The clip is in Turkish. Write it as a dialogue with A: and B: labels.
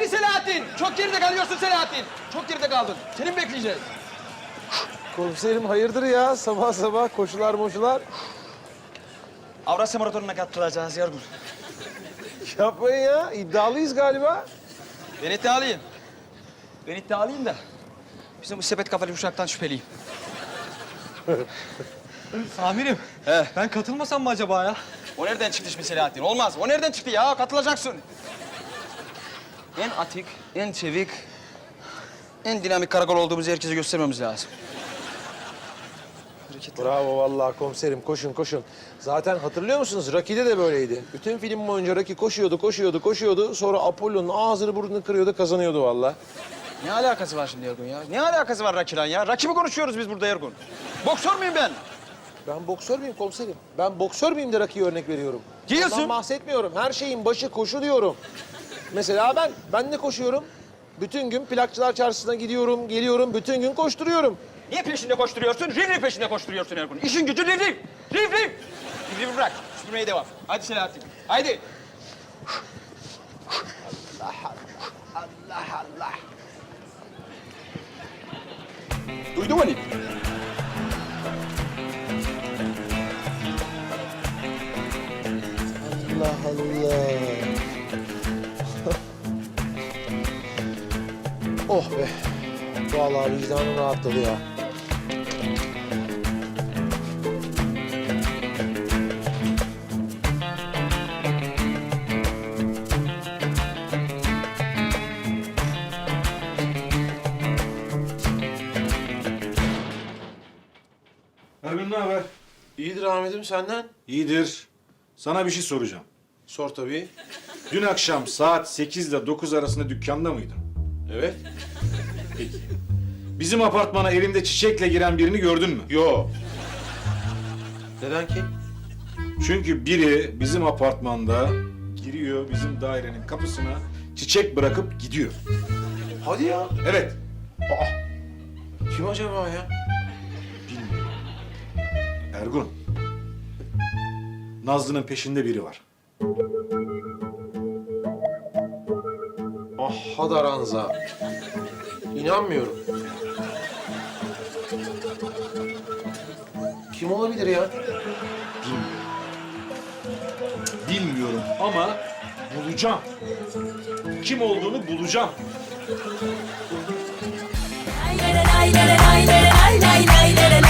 A: Hadi Selahattin. Çok geride kalıyorsun Selahattin. Çok geride kaldın. Seni mi bekleyeceğiz?
B: Komiserim hayırdır ya? Sabah sabah koşular moşular.
A: Avrasya Maratonu'na katılacağız Yorgun.
B: Yapmayın ya. İddialıyız galiba.
A: Ben iddialıyım. Ben iddialıyım da bizim bu sepet kafalı uşaktan şüpheliyim.
C: Amirim, ben katılmasam mı acaba ya?
A: O nereden çıktı şimdi Selahattin? Olmaz. O nereden çıktı ya? Katılacaksın. En atik, en çevik, en dinamik karakol olduğumuzu herkese göstermemiz lazım. Hareketler.
B: Bravo vallahi komiserim. Koşun koşun. Zaten hatırlıyor musunuz? Rocky'de de böyleydi. Bütün film boyunca Rocky koşuyordu. Sonra Apollo'nun ağzını burnunu kırıyordu, kazanıyordu vallahi.
A: Ne alakası var şimdi Ergun ya? Ne alakası var Raki'yle ya? Raki mi konuşuyoruz biz burada Ergun? Boksör müyüm ben?
B: Ben boksör müyüm komiserim? Ben boksör müyüm de Rocky'ye örnek veriyorum.
A: Diyorsun.
B: Ondan bahsetmiyorum. Her şeyin başı koşu diyorum. Mesela ben de koşuyorum. Bütün gün plakçılar çarşısına gidiyorum, geliyorum. Bütün gün koşturuyorum.
A: Niye peşinde koşturuyorsun? Riv peşinde koşturuyorsun Ergun. İşin gücü riv. Riv. Riv bırak. Süpürmeye devam. Hadi Selahattin. Haydi. Allah. Duydun mu Ali?
B: Allah Allah. Oh be. Vallahi vicdanım rahatladı ya.
D: Ergun ne haber?
B: İyidir Ahmet'im senden.
D: İyidir. Sana bir şey soracağım.
B: Sor tabii.
D: Dün akşam saat 8 ile 9 arasında dükkanda mıydın?
B: Evet.
D: Peki. Bizim apartmana elinde çiçekle giren birini gördün mü? Yok.
B: Neden ki?
D: Çünkü biri bizim apartmanda giriyor bizim dairenin kapısına çiçek bırakıp gidiyor.
B: Hadi ya.
D: Evet.
B: Kim acaba ya?
D: Bilmiyorum. Ergun. Nazlı'nın peşinde biri var.
B: Ah Hadaranza. İnanmıyorum. Kim olabilir ya?
D: Bilmiyorum ama bulacağım. Kim olduğunu bulacağım.
E: Lay lay lay lay lay lay lay lay lay lay.